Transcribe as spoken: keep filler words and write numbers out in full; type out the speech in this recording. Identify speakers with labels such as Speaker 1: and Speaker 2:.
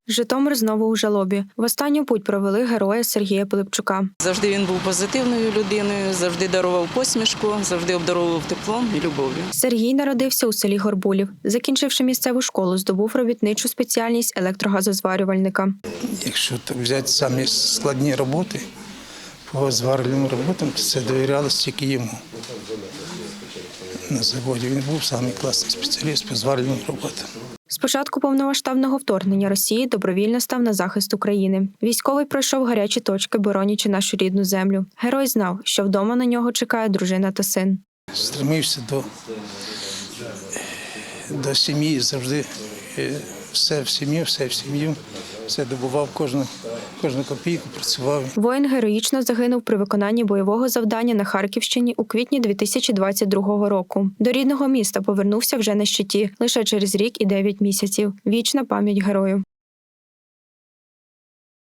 Speaker 1: Житомир знову у жалобі. В останню путь провели героя Сергія Пилипчука.
Speaker 2: Завжди він був позитивною людиною, завжди дарував посмішку, завжди обдаровував теплом і любов'ю.
Speaker 1: Сергій народився у селі Горбулів. Закінчивши місцеву школу, здобув робітничу спеціальність електрогазозварювальника.
Speaker 3: Якщо так взяти самі складні роботи, по зварювальним роботам, то це довірялося тільки йому. На заводі він був самий класний спеціаліст по зварювальним роботам.
Speaker 1: З початку повномасштабного вторгнення Росії добровільно став на захист України. Військовий пройшов гарячі точки, боронячи нашу рідну землю. Герой знав, що вдома на нього чекає дружина та син.
Speaker 3: Стремився до, до сім'ї, завжди все в сім'ю, все в сім'ю, все добував, кожну, кожну копійку, працював.
Speaker 1: Воїн героїчно загинув при виконанні бойового завдання на Харківщині у квітні дві тисячі двадцять другого року. До рідного міста повернувся вже на щиті, лише через рік і дев'ять місяців. Вічна пам'ять герою.